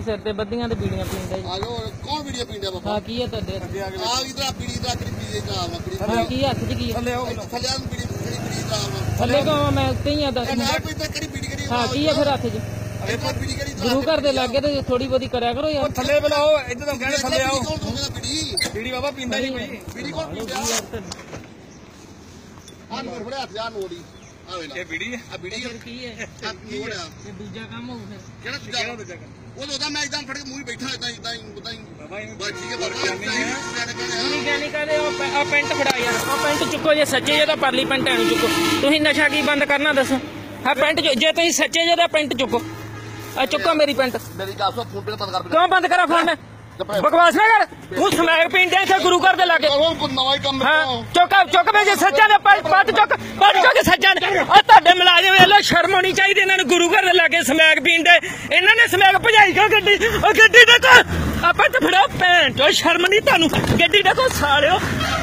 सिर ते बद्दियां ते बीड़ियां पींदा जी। आलो कौन वीडियो पींदा बाबा? हाँ की है तुहाडे? आ इधर बीड़ी दा करी पी जा बीड़ी। हाँ की हत्थ च की है? थल्ले आओ थल्ले आ बीड़ी बीड़ी दा थल्ले को मैं उत्ते ही आ दस ना पीता करी बीड़ी करी। हाँ की है फिर हत्थ च? अरे बीड़ी करी गुरु घर दे लागे ते थोड़ी बहुती करया करो यार। थल्ले बुलाओ इधर तो कहने थल्ले आओ। कौन दोगा बीड़ी? बीड़ी बाबा पींदा नहीं कोई। बीड़ी कौन पींदा? आ नोट बड़े हथ जा नोड़ी ये बीड़ी है। आ बीड़ी फिर की है? नोड़ आ ये दूजा काम हो फिर। केड़ा दूजा वो लोदा मैं एकदम फड़ के मुंह बैठा इदां इदां इदां बाबा बस ठीक है बाबा नहीं कहने कहते आ पेंट फड़ा यार आ पेंट चुको जे सच्चे जे तो परली पेंट एनु चुको तुसीं नशा की बंद करना दसो हाँ पेंट जे तुसीं सच्चे जे तो पेंट चुको आ चुको मेरी पेंट मेरी गल सुन फोन पे बंद कर क्यों बंद करा फोन बकवास ना कर तू समैक पींदे थे गुरु घर दे लागे को नवा ही काम हाँ चुक चुक भेजे सच्चा ने पट चुक सच्चा ने आ ਤੁਹਾਡੇ ਮੁਲਾਜ਼ਮ ਵੇਲੇ ਸ਼ਰਮ ਹੋਣੀ ਚਾਹੀਦੀ ਇਹਨਾਂ ਨੂੰ ਗੁਰੂ ਘਰ ਦੇ ਲਾਗੇ ਸਮੈਕ ਪੀਂਦੇ ਇਹਨਾਂ ਨੇ ਸਮੈਕ ਭਜਾਈ ਕਿਉਂ ਗੱਡੀ ਉਹ ਗੱਡੀ ਦੇਖੋ ਆਪਾਂ ਤੇ ਫੜੋ ਭੈਣ ਚੋ ਸ਼ਰਮ ਨਹੀਂ ਤੁਹਾਨੂੰ ਗੱਡੀ ਦੇਖੋ ਸਾਲਿਓ